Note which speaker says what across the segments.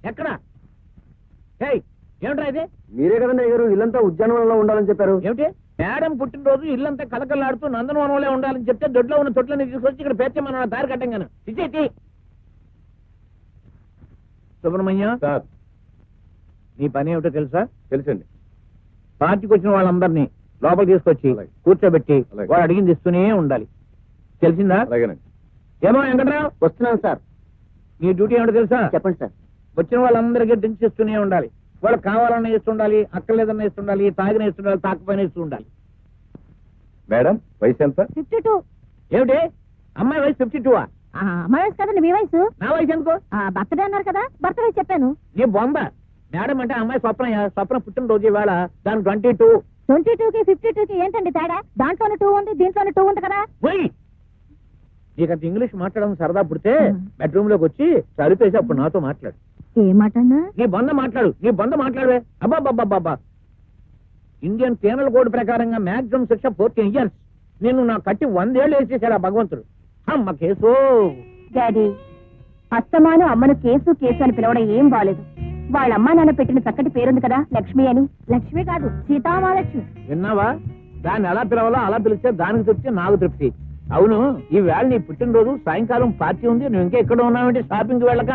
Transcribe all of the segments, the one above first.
Speaker 1: ఎక్కడ? ఏమిట్రా ఇది?
Speaker 2: మీరే కదండి అయ్యారు ఇల్లంతా ఉద్యానవనంలో ఉండాలని చెప్పారు.
Speaker 1: ఏమిటి? మేడం పుట్టినరోజు ఇల్లంతా కలకల్లాడుతూ నందనవనంలో ఉండాలని చెప్తే దొడ్లో ఉన్న తొట్లని తీసుకొచ్చి ఇక్కడ పేర్చమన్న దారి కట్టంగాను. ఇచ్చేటి సుబ్రహ్మణ్యం, నీ పని ఏమిటో తెలుసా?
Speaker 2: తెలుసండి.
Speaker 1: పార్టీకి వచ్చిన వాళ్ళందరినీ లోపల తీసుకొచ్చి కూర్చోబెట్టి వాడు అడిగింది ఇస్తూనే ఉండాలి. తెలిసిందా?
Speaker 2: అలాగేనండి.
Speaker 1: ఏమో వెంకట్రావు,
Speaker 2: వస్తున్నాను సార్.
Speaker 1: నీ డ్యూటీ ఏమిటో తెలుసా?
Speaker 2: చెప్పండి సార్.
Speaker 1: వచ్చిన వాళ్ళందరికీ డ్రింక్స్ ఇస్తూనే ఉండాలి. వాళ్ళకి కావాలన్నా ఇస్తుండాలి, అక్కర్లేదన్నా ఇస్తుండాలి, తాగిన ఇస్తుండాలి, తాకపోయినా ఇస్తుండాలి.
Speaker 2: మేడం వయసు ఎంత?
Speaker 3: 52.
Speaker 1: ఏమిటి? అమ్మాయి వయసు 52?
Speaker 3: అమ్మాయి వయసు కదండి మీ వయసు.
Speaker 1: నా వయసు ఎందుకో?
Speaker 3: బర్త్డే అన్నారు కదా, బర్త్ వయసు చెప్పాను.
Speaker 1: నీ బొంద. మేడం అంటే అమ్మాయి స్వప్న పుట్టినరోజు ఇవాళ. దాని 22.
Speaker 3: 22కి 52కి ఏంటండి తేడా? దాంట్లోనే 2 ఉంది, దీంట్లోనే 2 ఉంది కదా.
Speaker 1: నీకంత ఇంగ్లీష్ మాట్లాడడం సరదా పుడితే బెడ్రూమ్ లోకి వచ్చి సరిపేసి అప్పుడు నాతో మాట్లాడు.
Speaker 3: ఏమాటన్నా?
Speaker 1: నీ బంద మాట్లాడవే. అబ్బాబ్బాబ్బా, ఇండియన్ పీనల్ కోడ్ ప్రకారంగా మాక్సిమం శిక్ష 14 years. నేను నా కట్టి 100 ఏళ్ళు వేసేసాడు ఆ భగవంతుడు. అమ్మ కేసు.
Speaker 3: డాడీ, అస్తమాను అమ్మను కేసు కేసు అని పిలవడం ఏం బాలేదు. వాళ్ళ అమ్మా నాన్న పెట్టిన చక్కటి పేరుంది కదా, లక్ష్మి అని. లక్ష్మి కాదు, సీతామహాలక్ష్మి.
Speaker 1: విన్నావా? దాన్ని ఎలా పిలవాలో అలా పిలిస్తే దానికి తృప్తి, నాకు తృప్తి. అవును, ఈ వేళ నీ పుట్టినరోజు, సాయంకాలం పార్టీ ఉంది. నువ్వు ఇంకా ఎక్కడ ఉన్నావంటే షాపింగ్ వెళ్ళక?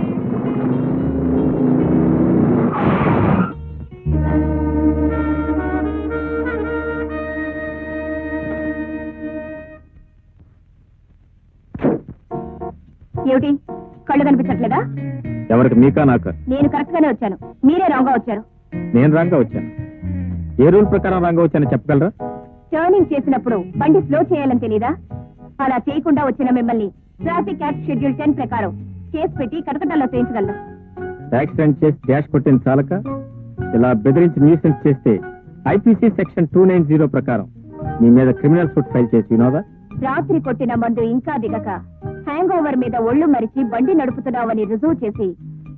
Speaker 3: ఏమిటి, కళ్ళు కనిపించట్లేదా?
Speaker 2: ఎవరికి, మీకా నాకా?
Speaker 3: నేను కరెక్ట్ గానే వచ్చాను, మీరే రాంగ్ గా వచ్చారు.
Speaker 2: నేను రాంగా వచ్చాను. ఏ రూల్ ప్రకారం రాంగా వచ్చానో చెప్పగలరా?
Speaker 3: టర్నింగ్ చేసినప్పుడు బండి స్లో చేయాలని తెలీదా? అలా చేయకుండా వచ్చిన మిమ్మల్ని ట్రాఫిక్ యాక్ట్ షెడ్యూల్ 10 ప్రకారం కేసు పెట్టి కటకటాల్లో చేయించగలను.
Speaker 2: యాక్సిడెంట్ చేసి డాష్ కొట్టిన చాలక ఇలా బెదిరించి న్యూసెన్స్ చేస్తే ఐపీసీ సెక్షన్ 290 ప్రకారం మీ మీద క్రిమినల్ సూట్ ఫైల్ చేసి వినోదా?
Speaker 3: రాత్రి కొట్టిన మందు ఇంకా దిగక హ్యాంగ్ ఓవర్ మీద ఒళ్ళు మరిచి బండి నడుపుతున్నావని రుజువు చేసి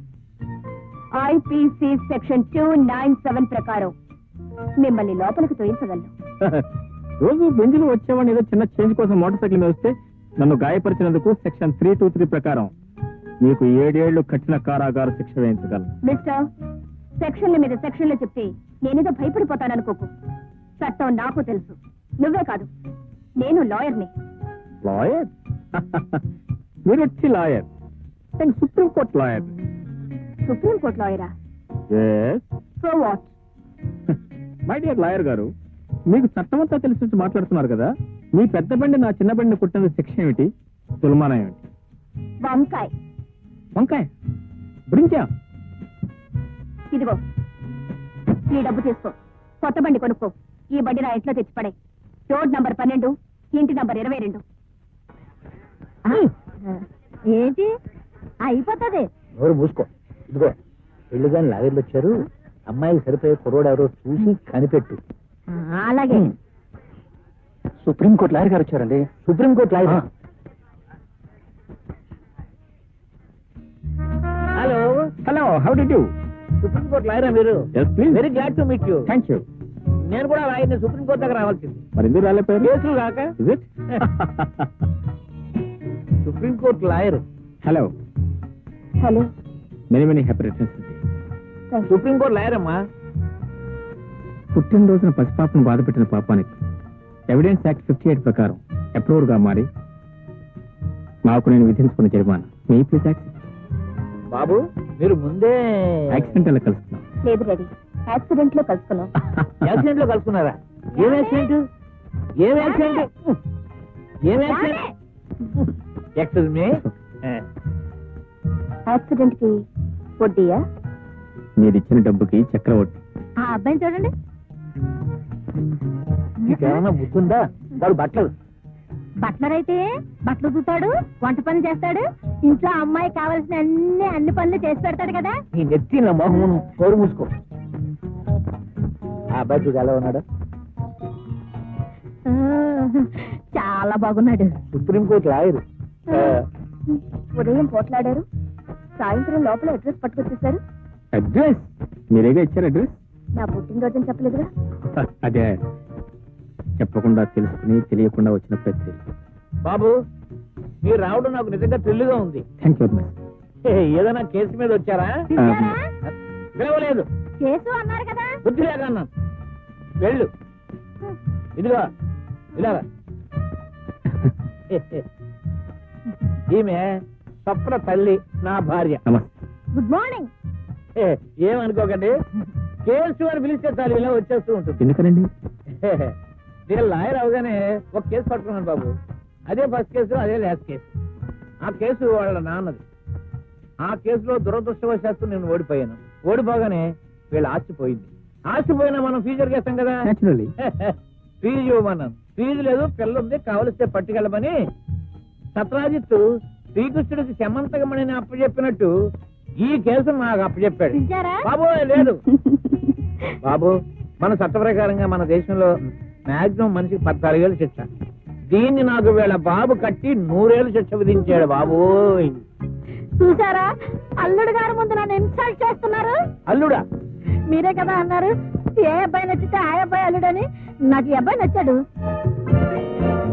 Speaker 3: ఐపీసీ సెక్షన్ 297 ప్రకారం మిమ్మల్ని లోపలికి తోయించగలను.
Speaker 2: రోజు బెంజులు వచ్చేవాడిని ఏదో చిన్న చేంజ్ కోసం మోటార్ సైకిల్ మీద వస్తే నన్ను గాయపరిచినందుకు సెక్షన్ 323 ప్రకారం మీకు 7 ఏళ్లు కఠిన కారాగార శిక్ష వేయించగలను.
Speaker 3: మిస్టర్, సెక్షన్ల మీద సెక్షన్లు చెప్తే నేనేదో భయపడిపోతాననుకోకు. చట్టం నాకు తెలుసు, నువ్వే కాదు, నేను లాయర్ని.
Speaker 2: లాయర్? మీరు వచ్చి లాయర్? నేను సుప్రీంకోర్టు లాయర్.
Speaker 3: సుప్రీంకోర్టు లాయరా? So what?
Speaker 2: My dear lawyer గారు, మీకు చట్టం అంతా తెలిసి మాట్లాడుతున్నారు కదా. మీ పెద్ద బండి నా చిన్న బండిని కుట్టిన శిక్ష ఏమిటి? తులమానం ఏమిటి?
Speaker 3: వంకాయ.
Speaker 2: వంకాయ? బ్రింకా?
Speaker 3: ఇదిగో, ఈ డబ్బు తీసుకో, కొత్త బండి కొనుక్కో. ఈ బండి నా ఇంట్లో తెచ్చిపడే. రోడ్ నంబర్ 12, ఇంటి నంబర్ 22. ఏంటి అయిపోతుంది?
Speaker 1: ఎవరు మూసుకో. ఇదిగో, పెళ్లి గాని లాగర్లు వచ్చారు. అమ్మాయికి సరిపోయే కుర్రోడు ఎవరో చూసి కనిపెట్టు.
Speaker 3: అలాగే.
Speaker 2: సుప్రీంకోర్టు లాయర్ గారు వచ్చారండి.
Speaker 1: Supreme court lawyer? Hello
Speaker 2: hello, how do you?
Speaker 1: Supreme court లాయరా మీరు? Very glad to meet you.
Speaker 2: Thank you.
Speaker 1: నేను కూడా లాయర్ని, సుప్రీంకోర్టు దగ్గర రావాల్సింది.
Speaker 2: మరి ఎందుకు రాలేపోయారు?
Speaker 1: కేసులు కాక. Supreme court lawyer.
Speaker 2: Hello
Speaker 3: hello,
Speaker 2: many happy returns.
Speaker 1: Supreme court lawyer అమ్మా.
Speaker 2: పుట్టినరోజున పసిపాపను బాధపెట్టిన పాపానికి ఎవిడెన్స్ యాక్ట్ 58 ప్రకారం అప్రూవర్ గా మారి మాకు నేను విధించుకున్న జరిమానా మీ ప్లీజ్ యాక్ట్.
Speaker 1: బాబు, మీరు ముందే
Speaker 2: యాక్సిడెంట్ లో కలుస్తున్నాం.
Speaker 3: లేదు డాడీ, యాక్సిడెంట్ లో కలుసుకున్నాం.
Speaker 1: యాక్సిడెంట్ లో కలుసుకున్నారా? ఏం యాక్సిడెంట్? ఏం యాక్సిడెంట్? ఏం యాక్సిడెంట్? Excuse me.
Speaker 3: యాక్సిడెంట్ కి వడ్డీయా?
Speaker 2: మీరు ఇచ్చిన డబ్బుకి చక్రవడ్డీ.
Speaker 3: ఆ అబ్బాయిని చూడండి.
Speaker 1: మీకేమన్నా బుద్ధుందా? వాడు
Speaker 3: బట్లర్ అయితే బట్టలు చూతాడు, వంట పనులు చేస్తాడు, ఇంట్లో అమ్మాయి కావాల్సిన అన్ని పనులు చేసి పెడతాడు కదా.
Speaker 1: నీ నెత్తి నా మొహం కోరు మూసుకో. ఆ అబ్బాయి చూడు ఎలా ఉన్నాడు?
Speaker 3: చాలా బాగున్నాడు.
Speaker 1: Supreme court lawyer.
Speaker 3: ఉదయం పోట్లాడారు, సాయంత్రం లోపల అడ్రస్ పట్టుకొచ్చేసారు.
Speaker 2: అడ్రస్ మీరేగా ఇచ్చారు? అడ్రస్
Speaker 3: నా పుట్టినరోజు చెప్పలేదుగా.
Speaker 2: అదే చెప్పకుండా తెలుసుకుని తెలియకుండా వచ్చిన ప్రతి.
Speaker 1: బాబు, మీరు రావడం నాకు నిజంగా థ్రిల్గా ఉంది.
Speaker 2: Thank you.
Speaker 1: ఏదైనా కేసు మీద వచ్చారా?
Speaker 3: పిలిచారా?
Speaker 1: పిలవలేదు,
Speaker 3: కేసు అన్నారు కదా.
Speaker 1: బుద్ధి లేదన్నా. వెళ్ళు, ఇదిగో ఇలా. ఈమె స్వప్న తల్లి, నా భార్య.
Speaker 2: నమస్తే.
Speaker 3: Good morning.
Speaker 1: ఏమనుకోకండి, కేసు అని పిలిస్తే చాలు ఇలా వచ్చేస్తూ ఉంటుంది.
Speaker 2: ఎందుకనండి?
Speaker 1: నేను లాయర్ అవగానే ఒక కేసు పట్టుకున్నాను బాబు. అదే ఫస్ట్ కేసు, అదే లాస్ట్ కేసు. ఆ కేసు వాళ్ళ నాన్నది. ఆ కేసులో దురదృష్టవశాత్తు నేను ఓడిపోయాను. ఓడిపోగానే వీళ్ళ ఆస్తిపోయింది. ఆస్తిపోయినా మనం ఫ్యూచర్ చేస్తాం కదా.
Speaker 2: Naturally.
Speaker 1: ఫీజు ఇవ్వమన్నాను. ఫీజు లేదు, పిల్ల ఉంది, కావలిస్తే పట్టుకెళ్ళమని సత్రాజిత్తు శ్రీకృష్ణుడికి శమంతకమణిని అప్పచెప్పినట్టు ఈ కేసు నాకు అప్పచెప్పాడు.
Speaker 3: పిలిచారా?
Speaker 1: బాబు లేదు బాబు, మన చట్ట ప్రకారంగా మన దేశంలో మాక్సిమం మనిషికి 14 ఏళ్ళు శిక్ష. దీన్ని నాకు వీళ్ళ బాబు కట్టి 100 ఏళ్ళు శిక్ష విధించాడు బాబు.
Speaker 3: చూసారా, అల్లుడు గారు ముందు నన్ను ఇన్సల్ట్ చేస్తున్నారు.
Speaker 1: అల్లుడా?
Speaker 3: మీరే కదా అన్నారు ఏ అబ్బాయి నచ్చితే ఆ అబ్బాయి అల్లుడని. నాకు ఈ అబ్బాయి నచ్చాడు.